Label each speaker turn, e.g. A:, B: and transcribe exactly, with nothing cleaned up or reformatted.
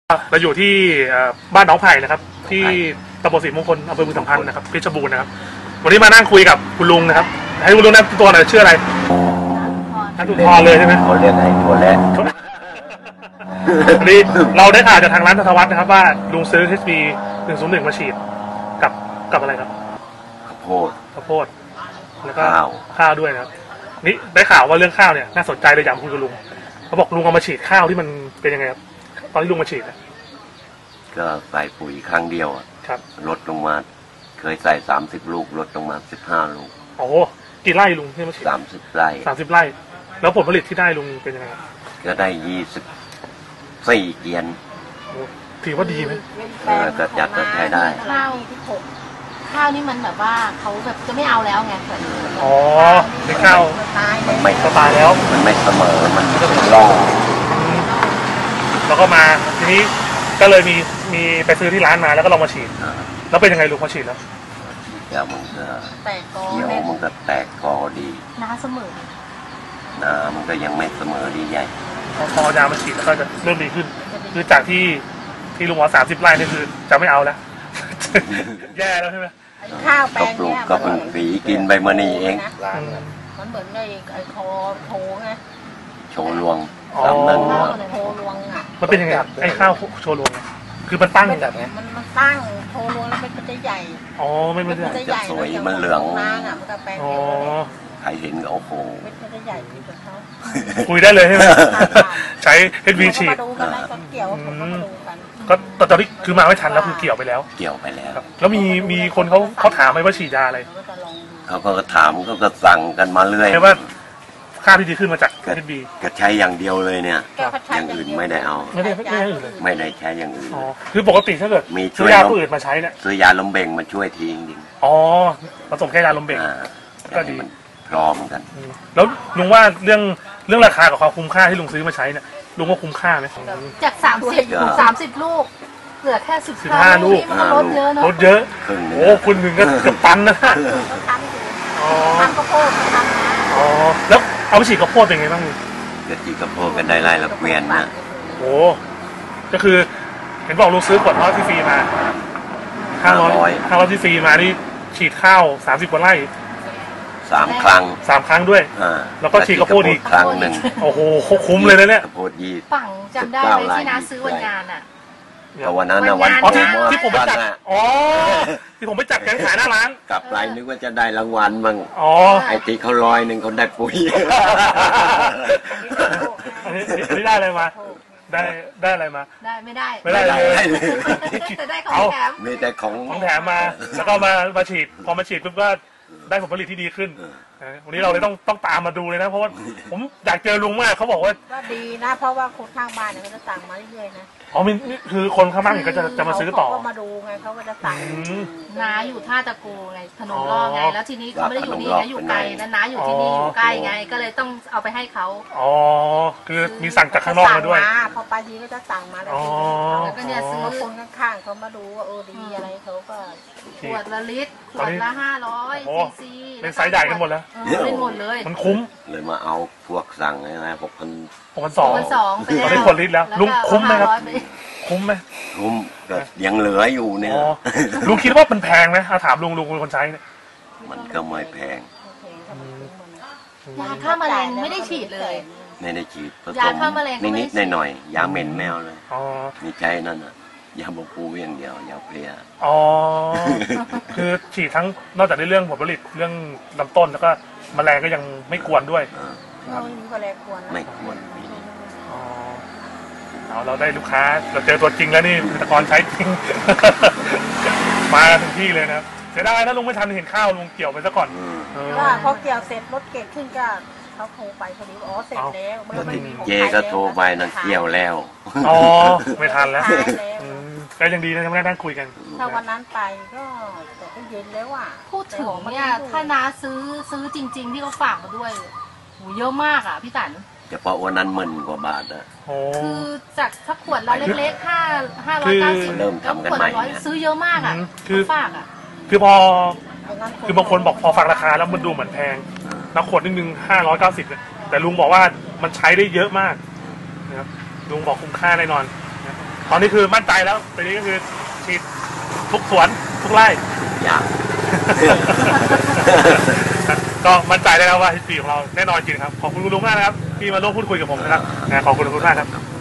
A: เราอยู่ที่บ้านน้องไผ่นะครับที่ตำบลศรีมงคลอำเภอบึงสัมพันธ์นะครับเพชรบูรณ์นะครับวันนี้มานั่งคุยกับคุณลุงนะครับให้คุณลุงแนะนำตัวหน่อยชื่ออะไรนัทุพรเลยใช่ไหม
B: เขาเรียกไอ้ตัวแรก
A: วันนี้เราได้ข่าวจากทางร้านธทวัฒน์นะครับว่าลุงซื้อ เอช บี หนึ่งศูนย์หนึ่งมาฉีดกับกับอะไรครับ
B: ข้าวโพด
A: ข้าวโพดแล้วก็ข้าวด้วยนะครับนี่ได้ข่าวว่าเรื่องข้าวเนี่ยน่าสนใจเลยอยากคุยกับลุงเขาบอกลุงเอามาฉีดข้าวที่มันเป็นยังไงครับตอนที่ลุงมาฉีด
B: ก็ใส่ปุ๋ยครั้งเดียวครับลดลงมาเคยใส่สามสิบลูกลดลงมาสิบห้าลูก
A: โอ้กี่ไร่ลุงที่มาฉีด
B: สามสิบไร่
A: สามสิบไร่แล้วผลผลิตที่ได้ลุงเป็นยังไง
B: ก็ได้ยี่สิบสี่เกียน
A: ถือว่าดีไหม
B: ก็จัดก็ใช้ได้
C: ข้าวที่ปลูกข้าวนี่มันแบบว่าเขาแบบจะไม่เอาแล้วไง
A: อ๋อในข้าว
B: มันไม่
A: ตายแล้ว
B: มันไม่เสมอมันล่อง
A: แล้วก็มาทีนี้ก็เลยมีมีไปซื้อที่ร้านมาแล้วก็ลองมาฉีดแล้วเป็นยังไงลุงพอฉีดแล้ว
B: เดี๋ยวมันก็
C: แตกกอ
B: เดี๋ยวมันก็แตกกอดี
C: น้าเสมอ
B: น้ามันก็ยังไม่เสมอดีใหญ่
A: พอยามาฉีดแล้วก็จะเริ่มดีขึ้นคือจากที่ที่ลุงว่าสามสิบไร่นี่คือจะไม่เอาแล้วแย่แล้วใช่ไหม
C: ข้าวแปลง
B: เนี่ยก็ปลูกฝีกินใบมะนีเอง
C: มันเหมือนไอ้ไอ้คอโถไง
B: โชว์ลวง
A: อ๋อ
C: โชว์ลวงอ่ะ
A: มันเป็นยังไงไอ้ข้าวโชว์ลวงคือมันตั้งแบบไง
C: มันมันตั้งโชว์ลวงแล้วมันจะใหญ่
A: อ๋อไม่ไม่
C: จะใหญ่
B: สวยมันเหลือง
C: นางอ่ะมันก็แปลง
A: อ๋อ
B: ใครเห็นก็โอ้โห
C: มันจะใหญ่กว่าเขา
A: คุยได้เลยใช่ไหมใช้เอช บี ฉีดก็ตอนนี้คือมาไม่ทันแล้วคือเกี่ยวไปแล้ว
B: เกี่ยวไปแล้ว
A: แล้วมีมีคนเขาเขาถามไหมว่าฉีดยาอะไร
B: เขาก็ถามก็ก็สั่งกันมาเรื่อย
A: ว่าค่าที่ดีขึ้นมาจาก เอช บี
B: ก็ใช้อย่างเดียวเลยเนี่ยอย่างอื่นไม่ได้เอา
A: ไม่ได้ไม่ได้อื่นเลย
B: ไม่ได้ใช้อย่างอื่น
A: คือปกติถ้าเกิด
B: มี
A: ซื้อยาผู้อื่นมาใช้เนี่ย
B: ซื้อยาลมเบ่งมาช่วยทีจริง
A: อ๋อผสมแค่ยาลมเบ่งก็ดี
B: พร้อมกัน
A: แล้วลุงว่าเรื่องเรื่องราคากับความคุ้มค่าที่ลุงซื้อมาใช้เนี่ยลุงว่าคุ้มค่าไหม
C: จากสามสิบสามสิบลูกเหลือแค่สิบ
A: ห้าลูก
C: ลดเยอะเนาะ
A: ลดเยอะโอ้คุณหนึ่งก็เกือบตันนะ
C: อ๋อทำข้าวโพดทำ
A: อ๋อแล้วเอาไปฉีดข้าวโพดเป็นไงบ้าง
B: ก็ฉีดข้าวโพดกันได้ไร่ละเกวียนนะ
A: โอ้ก็คือเห็นบอกลุงซื้อขวดทอดที่ฟรีมาห้าร้อยห้าร้อยที่ฟรีมานี่ฉีดข้าวสามสิบกว่าไร่
B: สามครั้ง
A: สามครั้งด้วยแล้วก็ฉีดข้าวโพดอีก
B: ครั้งหนึ่ง
A: โอ้โหคุ้มเลยนะเนี่ย
B: ข้าวโพดยี่
C: ฝั่งจำได้เลยที่น้าซื้อวันงานอ่ะ
B: แต่วันนั้นนะวัน
A: ที่ที่ผมไปจัดอ๋อที่ผมไปจัดการขายหน้าร้าน
B: กลับไปนึกว่าจะได้รางวัลบ้าง
A: อ๋อ
B: ไอ้ที่เขาลอยหนึ่งเขาได้ปุ๋ย
A: อันนี้อันนี้ได้อะไรมาได้ได้อะไรมา
C: ได้ไม่ได้
A: ไม่ได้เลย
C: แต่ได้ของแถม
B: มีแต่ของ
A: ของแถมมาแล้วก็มามาฉีดพอมาฉีดปุ๊บก็ได้ผลผลิตที่ดีขึ้นวันนี้เราเลยต้องต้องตามมาดูเลยนะเพราะว่าผมอยากเจอลุงมากเขาบอกว่า
C: ว่าดีนะเพราะว่าคนข้างบ้านเนี่ยเขาจะสั่งมาเรื่อยๆนะ
A: อ๋อมีคือคนข้างบ้านก็จะจะมาซื้อต่อ
C: เขามาดูไงเขาก็จะสั่งน้าอยู่ท่าตะโกไงถนนล่อไงแล้วทีนี้เขาไม่ได้อยู่นี่นะอยู่ไกลนะน้าอยู่ที่นี่อยู่ใกล้ไงก็เลยต้องเอาไปให้เขา
A: อ๋อคือมีสั่งจากข้างนอกมาด้วย
C: พอไปทีก็จะสั่งมาแล้วก็เนี่ยซื้อคนข้างๆเขามาดูว่าเออดีอะไรเขาก็ขวดละลิตรขวดละห้าร้อยซีซี
A: เป็นไซส์ใหญ่กันหมดแล้ว
C: เป็นหมดเลย
A: มันคุ้ม
B: เลยมาเอาพวกสั่งอะไรหกพัน
A: หกพันสองตอนนี้ขวดลิตรแล้วลุงคุ้มไหมครับคุ้มไหม
B: คุ้มก็ยังเหลืออยู่เนี่ย
A: ลุงคิดว่ามันแพงไหมถามลุงลุงเป็นคนใช้เนี่ย
B: มันก็ไม่แพง
C: ยาฆ่าแมลงไม่ได้ฉีดเลย
B: ไม่ได้ฉีด
C: ยาฆ่าแมลง
B: นิดๆหน่อยๆยาเหม็นแมวเลยมีใจนั่นน่ะยาบำปูอย่างเดียวยาเพลีย
A: อ๋อคือฉีดทั้งนอกจากในเรื่องผลผลิตเรื่องลำต้นแล้วก็แมลงก็ยังไม่ควรด้วย
C: ไม่มีแมลงควร
B: ไม่ควร
A: เอาเราได้ลูกค้าเราเจอตัวจริงแล้วนี่เกษตรกรใช้จริงมาถึงที่เลยนะเสียดายนะลุงไม่ทันเห็นข้าวลุงเกี่ยวไปซะก่อน
C: ว่าพอเกี่ยวเสร็จรถเก็บขึ้นก็เขาโทรไปพอดีอ๋อเสร็จแล้ว
B: เจก็โทรไปนั่นเกี่ยวแล้ว
A: อ๋อไม่ทันแล้วก็ยังดีนะที่ไม่ได้นั่งคุยกัน
C: ถ้าวันนั้นไปก็แต่ก็เย็นแล้วอ่ะพูดถึงเนี่ยถ้าน้าซื้อซื้อจริงๆที่เขาฝากมาด้วยโหเยอะมากอ่ะพี่ตัน
B: เฉพาะวันนั้นหมื่นกว่าบาทอะ
C: คือจากถ้าขวดละเล็กๆห้าห้าร้อยเก้าสิบ
B: เริ่มทำกันใหม่
C: ซื้อเยอะมากอ่ะ
A: คือ
C: ฝากอ่ะ
A: คือพอคือบางคนบอกพอฟังราคาแล้วมันดูเหมือนแพงแล้วขวดนึงห้าร้อยเก้าสิบแต่ลุงบอกว่ามันใช้ได้เยอะมากนะครับลุงบอกคุ้มค่าแน่นอน
B: ค
A: ตอนนี้คือมั่นใจแล้วตอนนี้ก็คือฉีดทุกสวนทุกไร่
B: อยาก
A: ก็มั่นใจได้แล้วว่าทีของเราแน่นอนจริงครับขอบคุณคุณลุงมากนะครับที่มาร่วมพูดคุยกับผมนะครับขอบคุณคุณมากครับ